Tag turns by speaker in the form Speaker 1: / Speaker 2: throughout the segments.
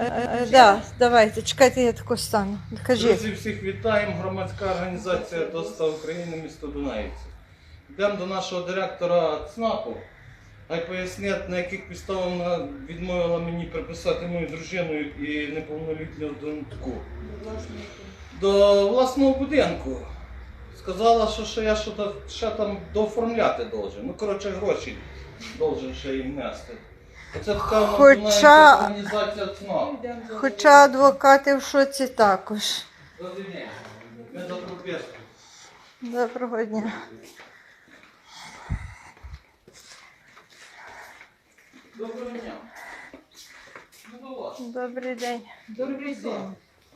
Speaker 1: Да, давайте, чекайте, я тако стану. Кажіть.
Speaker 2: Друзі, всіх вітаємо. Громадська організація ДОСТА України, місто Дунаївці. Йдемо до нашого директора ЦНАПу. Хай пояснять, на яких підставах вона відмовила мені приписати мою дружину і неповнолітню доньку до власного будинку. Сказала, що я ще там дооформляти должен. Ну, коротше, гроші должен ще їм нести. Це така організація ЦНАП.
Speaker 1: Хоча адвокати в шоці також.
Speaker 2: Добрий день. Ми за прописку.
Speaker 1: Доброго дня.
Speaker 2: Доброго дня. Ну, до вас.
Speaker 1: Добрий день.
Speaker 2: Добрий день.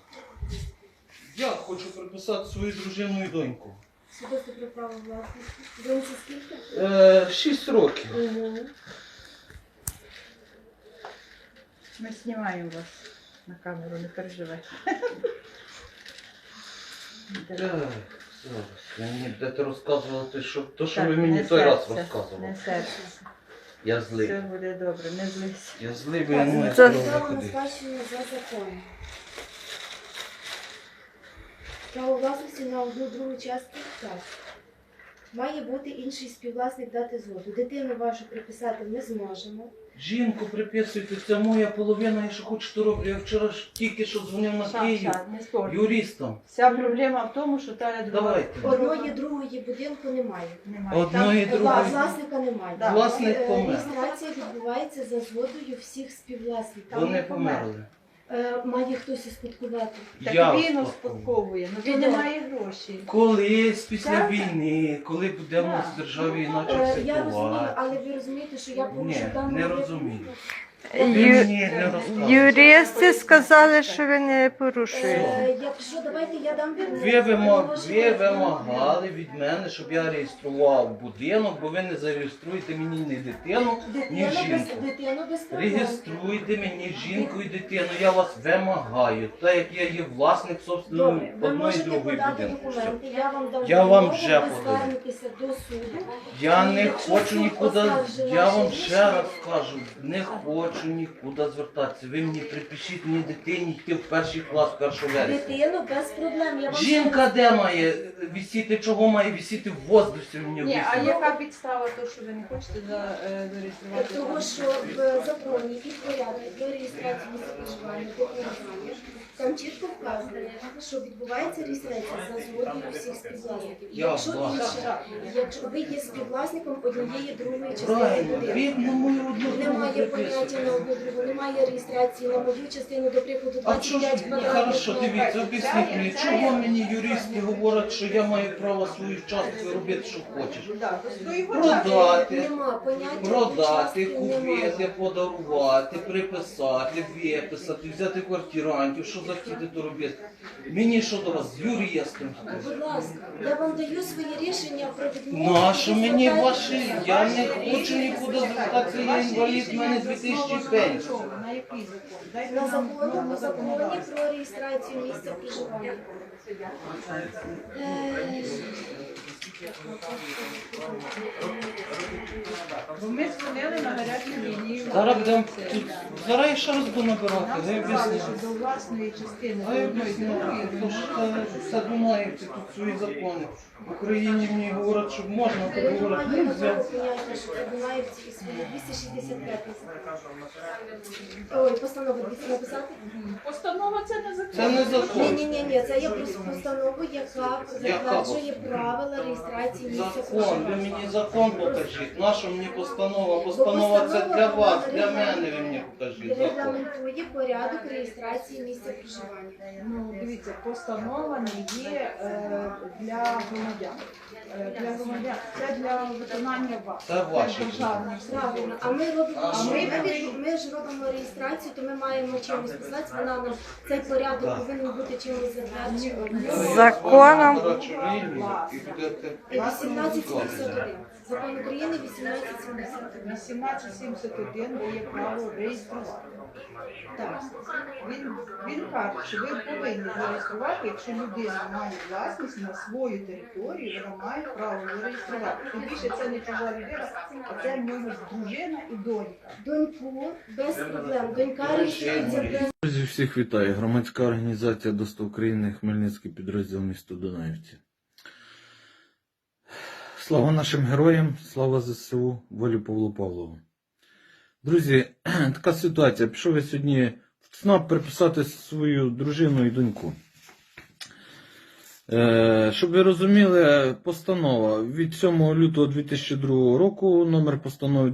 Speaker 2: Я хочу приписати свою дружину і доньку.
Speaker 3: Свідоцтво про право власності. Доньці скільки?
Speaker 2: 6 років.
Speaker 3: Угу.
Speaker 1: Ми знімаємо вас на камеру, не переживай.
Speaker 2: Так, зараз. Ви мені будете розказувати, що ви мені той раз розказували.
Speaker 1: Не серце.
Speaker 2: Я злий.
Speaker 1: Все буде добре, не злись.
Speaker 2: Я злий, бо я не маю
Speaker 1: Це-
Speaker 2: права
Speaker 3: Право на
Speaker 2: ходити.
Speaker 3: спадщину за законом. Право власності на одну другу частку так. Має бути інший співвласник дати згоду. Дитину вашу приписати ми зможемо.
Speaker 2: Жінку приписуйте, це моя половина, я що хочу, то роблю. Я вчора ж тільки що дзвонив на Київ
Speaker 1: Не спорт.
Speaker 2: юристам.
Speaker 1: Вся проблема в тому, що та
Speaker 2: Давайте.
Speaker 3: Одної другої будинку немає.
Speaker 1: немає.
Speaker 2: Одної другої.
Speaker 3: Власника немає.
Speaker 1: Да.
Speaker 2: Власник помер.
Speaker 3: Реєстрація відбувається за згодою всіх співвласників.
Speaker 2: Вони померли.
Speaker 3: Має хтось успадкувати.
Speaker 1: Так
Speaker 2: Я
Speaker 1: він
Speaker 2: успадковую.
Speaker 1: успадковує, але він не має грошей.
Speaker 2: Колись після
Speaker 1: Так.
Speaker 2: війни, коли буде в нас в державі іначе
Speaker 3: Я розумію,
Speaker 2: ситуація.
Speaker 3: але ви розумієте, що я порушу
Speaker 2: Ні,
Speaker 3: дану
Speaker 2: не
Speaker 3: вимогу?
Speaker 2: розумію. Ви мені не розказуєте.
Speaker 1: Юристи сказали, що ви не порушуєте.
Speaker 3: Якщо давайте я дам
Speaker 2: Ви вимагали від мене, щоб я реєстрував будинок, бо ви не зареєструєте мені ні дитину, ні жінку.
Speaker 3: Дитину без проблем.
Speaker 2: Реєструйте мені жінку і дитину, я вас вимагаю, так як я є власник собственної
Speaker 3: Добре, ви
Speaker 2: одної
Speaker 3: можете
Speaker 2: другої
Speaker 3: подати
Speaker 2: будинку. Все.
Speaker 3: документи, я вам дам
Speaker 2: Я вам
Speaker 3: вимогу,
Speaker 2: вже
Speaker 3: ви
Speaker 2: подаю.
Speaker 3: звернетеся до суду.
Speaker 2: Я
Speaker 3: І
Speaker 2: не
Speaker 3: якщо
Speaker 2: хочу
Speaker 3: суд
Speaker 2: нікуди,
Speaker 3: оскаржить
Speaker 2: я
Speaker 3: ваше
Speaker 2: вам
Speaker 3: рішення,
Speaker 2: ще раз кажу, не хочу нікуди звертатися. Ви мені припишіть мені дитині йти в перший клас 1 вересня.
Speaker 3: Дитину без проблем. Я вам
Speaker 2: Жінка де має висіти, чого має висіти в воздусі мені
Speaker 1: Ні, а
Speaker 2: об'ясніть?
Speaker 1: яка підстава того, що ви не хочете зареєструвати?
Speaker 3: Того, що в законі і порядку про реєстрацію місця проживання декларування, там чітко вказано, що відбувається реєстрація за згодою всіх співвласників.
Speaker 2: Я
Speaker 3: Якщо
Speaker 2: власник.
Speaker 3: інше, якщо ви є співвласником однієї другої частини
Speaker 2: Правильно,
Speaker 3: будинку,
Speaker 2: він на мою одну другу
Speaker 3: немає поняття
Speaker 2: приписує.
Speaker 3: на одну другу, немає реєстрації на мою частину, до прикладу,
Speaker 2: А чого ж,
Speaker 3: 25 квадратних
Speaker 2: хорошо,
Speaker 3: метрів.
Speaker 2: дивіться, об'ясніть мені, чого мені юристи говорять, що я маю право свою частку робити, що хочеш? Продати,
Speaker 3: Нема поняття
Speaker 2: продати,
Speaker 3: участки, немає.
Speaker 2: купити, подарувати, приписати, виписати, взяти квартирантів, що захотіти, то робити. Мені що до вас, з юристом?
Speaker 3: Будь ласка, я вам даю свої рішення про відмову.
Speaker 2: Ну а що мені
Speaker 3: звертайтеся.
Speaker 2: ваші? Я не хочу нікуди звертатися, я інвалід, в мене 2000 пенсій.
Speaker 1: На який закон? Дайте
Speaker 3: На
Speaker 1: нам
Speaker 3: законі
Speaker 1: законодавство.
Speaker 3: про реєстрацію місця проживання.
Speaker 1: Бо ми дзвонили на гарячу лінію.
Speaker 2: Зараз будемо тут, зараз я ще раз буду набирати,
Speaker 1: Нам
Speaker 2: ви
Speaker 1: сказали,
Speaker 2: об'ясніть.
Speaker 1: що до власної частини,
Speaker 2: А
Speaker 1: до
Speaker 2: я
Speaker 1: одної другої,
Speaker 2: то ж це Дунаївці, тут свої закони. В Україні мені говорять, що можна, то
Speaker 3: Ви
Speaker 2: говорять,
Speaker 3: немає
Speaker 2: нельзя.
Speaker 3: такого поняття, що Дунаївці і свої 265 Ой, постанову 200 написати?
Speaker 1: Постанова це не закон.
Speaker 2: Це не закон.
Speaker 3: Ні, це є просто постанова, яка затверджує правила реєстрації місця
Speaker 2: Закон, ви
Speaker 3: проживання.
Speaker 2: мені закон покажіть. Наша мені постанова? Постанова це для вас, для мене ви мені покажіть закон.
Speaker 3: Регламентує порядок реєстрації місця проживання.
Speaker 1: Ну, дивіться, постанова не є для громадян. Для громадян. Це для виконання вас.
Speaker 2: Це ваші
Speaker 1: державних
Speaker 3: Правильно, а ми робимо,
Speaker 2: А
Speaker 3: що
Speaker 2: ми-
Speaker 3: ми ж робимо реєстрацію, то ми маємо чимось писати, вона нам цей порядок
Speaker 2: Так.
Speaker 3: повинен бути чимось затверджений.
Speaker 1: Законом.
Speaker 2: Коротше, рівні, і будете...
Speaker 3: 1871. Закон України 1871.
Speaker 1: 1871 дає право реєструвати. Так. Він каже, що ви повинні зареєструвати, якщо людина має власність на свою територію, вона має право зареєструвати. Тим більше це не чужа людина, а це в нього дружина і донька.
Speaker 3: Доньку без проблем. Донька реєструється без...
Speaker 2: Друзі, всіх вітаю. Громадська організація ДОСТА України, Хмельницький підрозділ місто Дунаївці. Слава нашим героям, слава ЗСУ, волі Павлу Павлову. Друзі, така ситуація. Пішов я сьогодні в ЦНАП приписати свою дружину і доньку. Щоб ви розуміли, постанова від 7 лютого 2002 року, номер постанови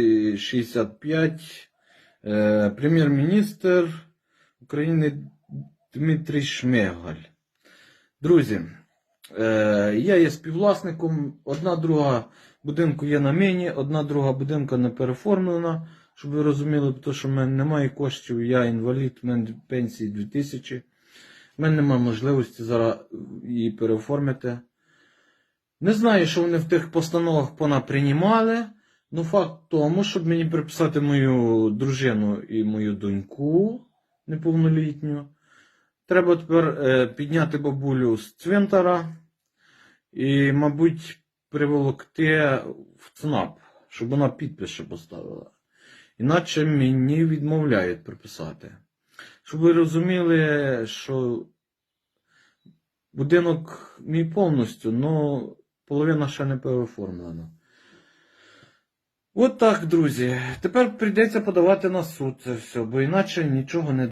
Speaker 2: 265, прем'єр-міністр України Дмитрій Шмигаль. Друзі, я є співвласником, одна друга будинку є на мені, одна друга будинка не переформлена, щоб ви розуміли, тому що в мене немає коштів, я інвалід, в мене пенсії 2000. У мене немає можливості зараз її переоформити. Не знаю, що вони в тих постановах понаприймали, але факт тому, щоб мені приписати мою дружину і мою доньку неповнолітню, треба тепер підняти бабулю з цвинтара і, мабуть, приволокти в ЦНАП, щоб вона підпис ще поставила. Іначе мені відмовляють приписати. Щоб ви розуміли, що будинок мій повністю, але половина ще не переоформлена. От так, друзі. Тепер прийдеться подавати на суд це все, бо іначе нічого не